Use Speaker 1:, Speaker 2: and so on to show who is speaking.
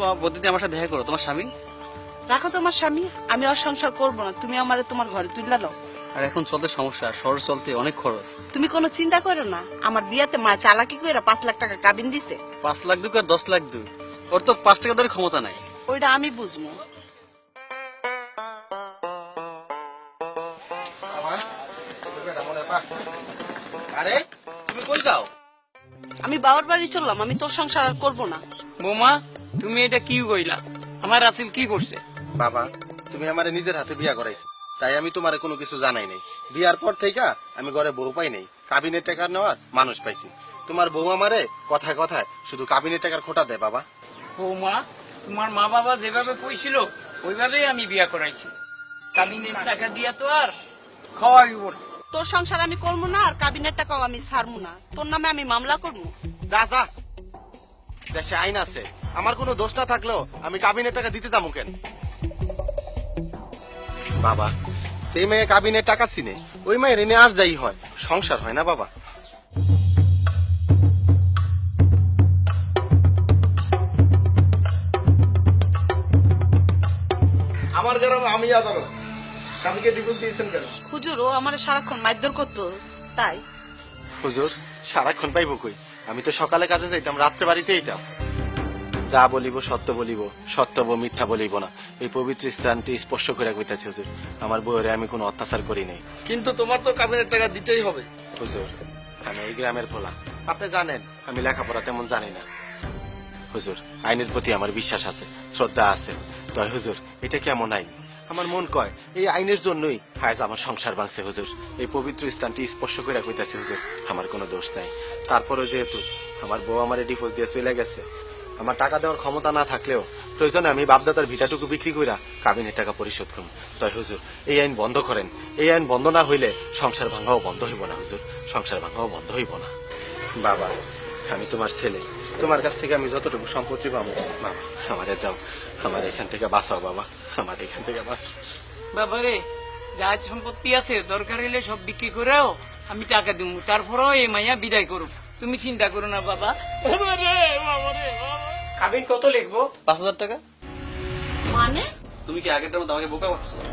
Speaker 1: প্রতিদিন আমার সাথে দেখা করো, তোমার স্বামী।
Speaker 2: রাখো তোমার স্বামী, আমি আর সংসার করবো না, তুমি আমারে তোমার ঘরে তুলে নাও।
Speaker 1: আর এখন চলতে সমস্যা, শহর চলতে অনেক খরচ।
Speaker 2: তুমি কোনো চিন্তা করো না, আমার বিয়াতে মা চালাকি কইরা 5 লাখ টাকা কাবিন দিছে।
Speaker 1: 5 লাখ দুক আর 10 লাখ দুক, ওর তো 5 টাকা ধরে ক্ষমতা নাই।
Speaker 2: ওইটা আমি বুঝবো।
Speaker 3: আরে তুমি কই যাও?
Speaker 2: আমি বাবার বাড়ি চললাম, আমি তোর সংসার আর করবো না।
Speaker 4: বৌমা, তুমি এটা কি কইলা? আমার রাসেল কি করছে?
Speaker 3: বাবা, তুমি আমারে নিজের হাতে বিয়া করাইছো, তাই আমি তোমারে কোনো কিছু জানাই নাই। বিয়ার পর থেকে আমি ঘরে বউ পাই নাই, কাবিনের টাকা নেওয়ার মানুষ পাইছি। তোমার বউ আমারে কথায় কথায় শুধু কাবিনের টাকার খোটা দেয়। বাবা,
Speaker 4: বৌমা, তোমার মা বাবা যেভাবে কইছিল ওইভাবেই আমি বিয়া করাইছি। কাবিনের টাকা দিয়া তো আর খাওয়াইব না।
Speaker 2: তোর সংসার আমি করবো না, আর কাবিনের টাকাও আমি ছাড়বো না। তোর নামে আমি মামলা করবো।
Speaker 3: যা যা, দেশে আইন আছে, আমার কোনো দোষ না থাকলেও আমি কাবিনের টাকা দিতে যাবো কেন? বাবা, সেই মেয়ে কাবিনের টাকা চিনে, ওই মেয়ের এনে আর যাই হয়, সংসার হয় না বাবা। আমার গ্রামে আমি যাবো, স্বামীকে ডিভোর্স দিয়েছেন কেন?
Speaker 2: হুজুর, ও আমার সারাক্ষণ মারধর করতো, তাই।
Speaker 3: হুজুর, সারাক্ষণ পাইব কই? আমি তো সকালে কাজে যাইতাম, রাত্রে বাড়িতে যেতাম। যা বলিব সত্য বলিব, সত্য মিথ্যা বলিব না, এই পবিত্র স্থানটি স্পর্শ করে কইতাছি হুজুর। আমার বউরে আমি কোনো অত্যাচার করি নাই।
Speaker 5: কিন্তু তোমার তো কাবিনের টাকা দিতেই হবে।
Speaker 3: হুজুর, আমি এই গ্রামের পোলা, আপনি জানেন আমি লেখাপড়া তেমন জানি না। হুজুর, আইনের প্রতি আমার বিশ্বাস আছে, শ্রদ্ধা আছে। তাই হুজুর, এটা কেমন আইন? আমার মন কয় এই আইনের জন্যই আজ আমার সংসার ভাঙছে হুজুর। এই পবিত্র স্থানটি স্পর্শ করে কইতাছি হুজুর, আমার কোনো দোষ নাই। তারপরে যেহেতু আমার বউ আমার ডিভোর্স দিয়ে চলে গেছে, আমার টাকা দেওয়ার ক্ষমতা না থাকলেও প্রয়োজনে আমি বাপদাদার ভিটাটুকু বিক্রি কইরা কাবিনের টাকা পরিশোধ করব। তাই হুজুর, এই আইন বন্ধ করেন। এই আইন বন্ধ না হইলে সংসার ভাঙাও বন্ধ হইব না হুজুর, সংসার ভাঙাও বন্ধ হইব না। বাবা, আমি তোমার ছেলে, তোমার কাছ থেকে আমি যতটুকু সম্পত্তি পাবো বাবা আমারে দাও, আমার এখান থেকে বাঁচাও বাবা, আমার এখান থেকে বাঁচাও।
Speaker 4: বাবারে, যা সম্পত্তি আছে দরকার হইলে সব বিক্রি করেও আমি টাকা দিব, তারপরেও এই মাইয়া বিদায় করুন। তুমি চিন্তা করো না বাবা।
Speaker 5: কাবিন কত লিখবো?
Speaker 1: 5,000 টাকা।
Speaker 2: মানে
Speaker 1: তুমি কি আগেরটার মতো আমাকে বোকা ভাবছো?